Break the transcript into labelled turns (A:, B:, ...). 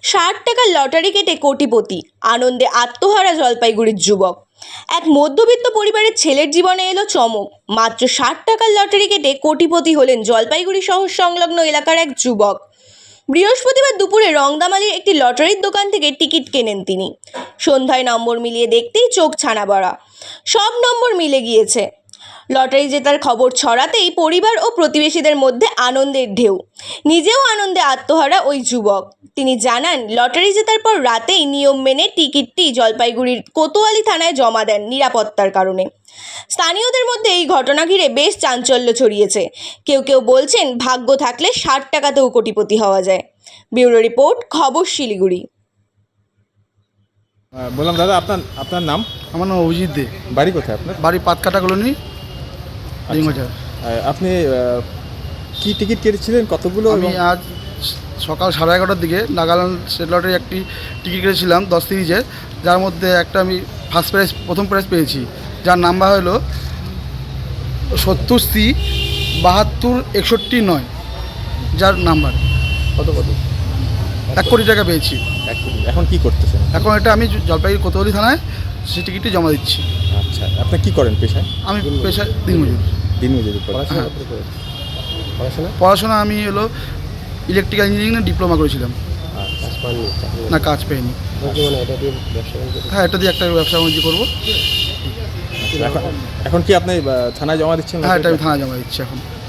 A: 60 টাকার লটারি কেটে কোটিপতি, আনন্দে আত্মহারা জলপাইগুড়ির যুবক। এক মধ্যবিত্ত পরিবারের ছেলের জীবনে এলো চমক। মাত্র 60 টাকার লটারি কেটে কোটিপতি হলেন জলপাইগুড়ি শহর সংলগ্ন এলাকার এক যুবক। বৃহস্পতিবার দুপুরে রংদামালির একটি লটারির দোকান থেকে টিকিট কেনেন তিনি। সন্ধ্যায় নম্বর মিলিয়ে দেখতেই চোখ ছানা বড়া, সব নম্বর মিলে গিয়েছে। লটারি জেতার খবর ছড়াতেই পরিবার ও প্রতিবেশীদের মধ্যে আনন্দের ঢেউ। নিজেও আনন্দে আত্মহারা ওই যুবক। তিনি জানান, লটারি জেতার পর রাতেই নিয়ম মেনে টিকিটটি জলপাইগুড়ির কোতোয়ালি থানায় জমা দেন নিরাপত্তার কারণে। স্থানীয়দের মধ্যে এই ঘটনা ঘিরে বেশ চাঞ্চল্য ছড়িয়েছে। কেউ কেউ বলছেন, ভাগ্য থাকলে 60 টাকাতেও কোটিপতি হওয়া যায়। ব্যুরো রিপোর্ট, খবর শিলিগুড়ি।
B: বললাম দাদা, আপনার আপনার নাম?
C: আমার নাম অভিজিৎ দে।
B: বাড়ি কোথায় আপনার?
C: বাড়ি পাতকাটা কলোনি, ডিমবাজার।
B: আপনি কি টিকিট কেটেছিলেন, কতগুলো?
C: আমি আজ সকাল 11:30টার দিকে নাগাল্যান্ড স্টেট লটারি একটি টিকিট কেটেছিলাম 10 সিরিজের, যার মধ্যে একটা আমি ফার্স্ট প্রাইজ, প্রথম প্রাইজ পেয়েছি, যার নাম্বার হলো 70C 726169, যার নাম্বার
B: কত
C: 1 কোটি টাকা পেয়েছি।
B: 1 কোটি। এখন কি করতেছেন?
C: এখন এটা আমি জলপাইগুড়ি কোতোয়ালি থানায় সেই টিকিটটি জমা দিচ্ছি।
B: আচ্ছা, আপনি কি করেন পেশায়?
C: আমি পেশায় দিনমজুর।
B: দিনমজুরি করেন?
C: পড়াশোনা আমি হলো ইলেকট্রিক্যাল ইঞ্জিনিয়ারিং ডিপ্লোমা করেছিলাম। না, কাজ পাইনি। হ্যাঁ, এটা দিয়ে একটা ব্যবসা বাণিজ্য করবো।
B: এখন কি আপনি থানায় জমা দিচ্ছেন?
C: হ্যাঁ, এটা আমি থানায় জমা দিচ্ছি এখন।